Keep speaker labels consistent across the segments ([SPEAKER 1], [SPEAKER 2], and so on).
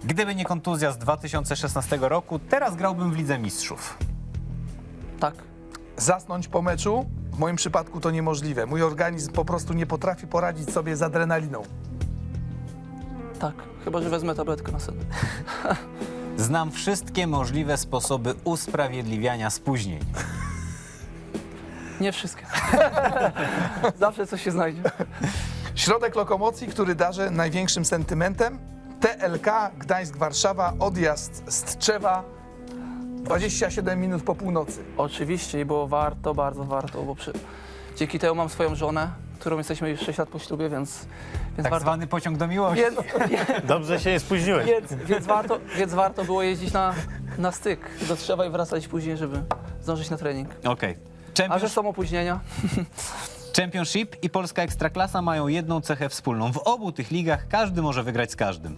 [SPEAKER 1] Gdyby nie kontuzja z 2016 roku, teraz grałbym w Lidze Mistrzów.
[SPEAKER 2] Tak.
[SPEAKER 3] Zasnąć po meczu? W moim przypadku to niemożliwe. Mój organizm po prostu nie potrafi poradzić sobie z adrenaliną.
[SPEAKER 2] Tak. Chyba że wezmę tabletkę na sen.
[SPEAKER 1] Znam wszystkie możliwe sposoby usprawiedliwiania spóźnień.
[SPEAKER 2] Nie wszystkie. Zawsze coś się znajdzie.
[SPEAKER 3] Środek lokomocji, który darzę największym sentymentem? TLK Gdańsk-Warszawa, odjazd z Tczewa, 27 minut po północy.
[SPEAKER 2] Oczywiście i było warto, bardzo warto, bo dzięki temu mam swoją żonę, którą jesteśmy już 6 lat po ślubie, więc
[SPEAKER 1] Tak
[SPEAKER 2] warto.
[SPEAKER 1] zwany pociąg do miłości.
[SPEAKER 4] Dobrze się nie spóźniłeś.
[SPEAKER 2] Więc warto było jeździć na styk do Tczewa i wracać później, żeby zdążyć na trening.
[SPEAKER 1] Okej.
[SPEAKER 2] A że są opóźnienia?
[SPEAKER 1] Championship i polska Ekstraklasa mają jedną cechę wspólną. W obu tych ligach każdy może wygrać z każdym.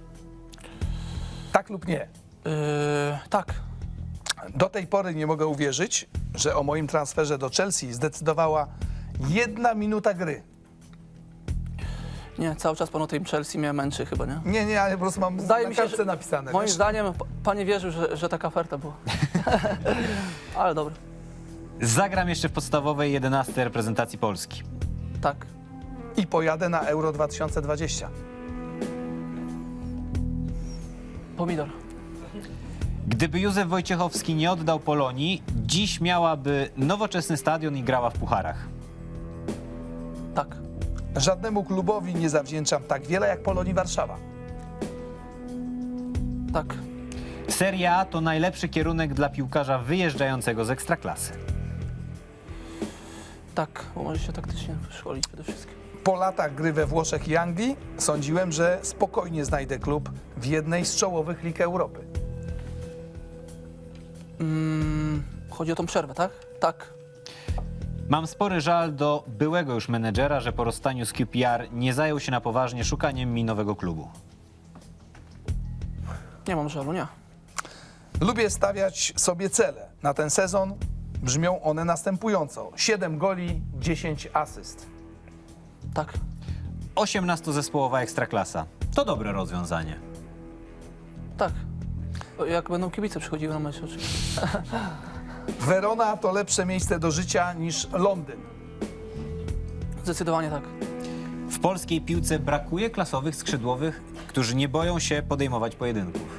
[SPEAKER 3] Tak lub nie?
[SPEAKER 2] Tak.
[SPEAKER 3] Do tej pory nie mogę uwierzyć, że o moim transferze do Chelsea zdecydowała 1 minuta gry.
[SPEAKER 2] Nie, cały czas pan o tym Chelsea mnie męczy chyba, nie?
[SPEAKER 3] Nie, ale po prostu mam
[SPEAKER 2] Zdaje
[SPEAKER 3] na
[SPEAKER 2] mi się,
[SPEAKER 3] kartce
[SPEAKER 2] że
[SPEAKER 3] napisane.
[SPEAKER 2] moim
[SPEAKER 3] wiesz?
[SPEAKER 2] zdaniem pan nie wierzył, że taka oferta była. Ale dobra.
[SPEAKER 1] Zagram jeszcze w podstawowej 11 reprezentacji Polski.
[SPEAKER 2] Tak.
[SPEAKER 3] I pojadę na Euro 2020.
[SPEAKER 2] Pomidor.
[SPEAKER 1] Gdyby Józef Wojciechowski nie oddał Polonii, dziś miałaby nowoczesny stadion i grała w pucharach.
[SPEAKER 2] Tak.
[SPEAKER 3] Żadnemu klubowi nie zawdzięczam tak wiele jak Polonii Warszawa.
[SPEAKER 2] Tak.
[SPEAKER 1] Serie A to najlepszy kierunek dla piłkarza wyjeżdżającego z Ekstraklasy.
[SPEAKER 2] Tak, bo może się taktycznie szkolić przede wszystkim.
[SPEAKER 3] Po latach gry we Włoszech i Anglii sądziłem, że spokojnie znajdę klub w jednej z czołowych lig Europy.
[SPEAKER 2] Chodzi o tą przerwę, tak? Tak.
[SPEAKER 1] Mam spory żal do byłego już menedżera, że po rozstaniu z QPR nie zajął się na poważnie szukaniem mi nowego klubu.
[SPEAKER 2] Nie mam żalu, nie.
[SPEAKER 3] Lubię stawiać sobie cele. Na ten sezon brzmią one następująco. 7 goli, 10 asyst.
[SPEAKER 2] Tak.
[SPEAKER 1] 18-zespołowa Ekstraklasa. To dobre rozwiązanie.
[SPEAKER 2] Tak. Jak będą kibice przychodziły na mecz oczywiście.
[SPEAKER 3] Verona to lepsze miejsce do życia niż Londyn.
[SPEAKER 2] Zdecydowanie tak.
[SPEAKER 1] W polskiej piłce brakuje klasowych skrzydłowych, którzy nie boją się podejmować pojedynków.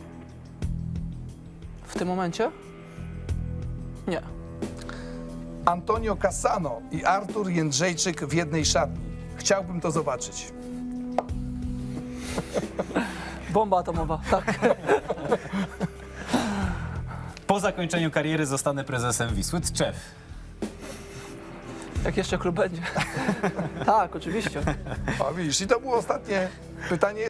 [SPEAKER 2] W tym momencie? Nie.
[SPEAKER 3] Antonio Cassano i Artur Jędrzejczyk w jednej szatni. Chciałbym to zobaczyć.
[SPEAKER 2] Bomba atomowa, tak.
[SPEAKER 1] Po zakończeniu kariery zostanę prezesem Wisły Tczew.
[SPEAKER 2] Jak jeszcze klub będzie. Tak, oczywiście.
[SPEAKER 3] O, widzisz, i to było ostatnie pytanie.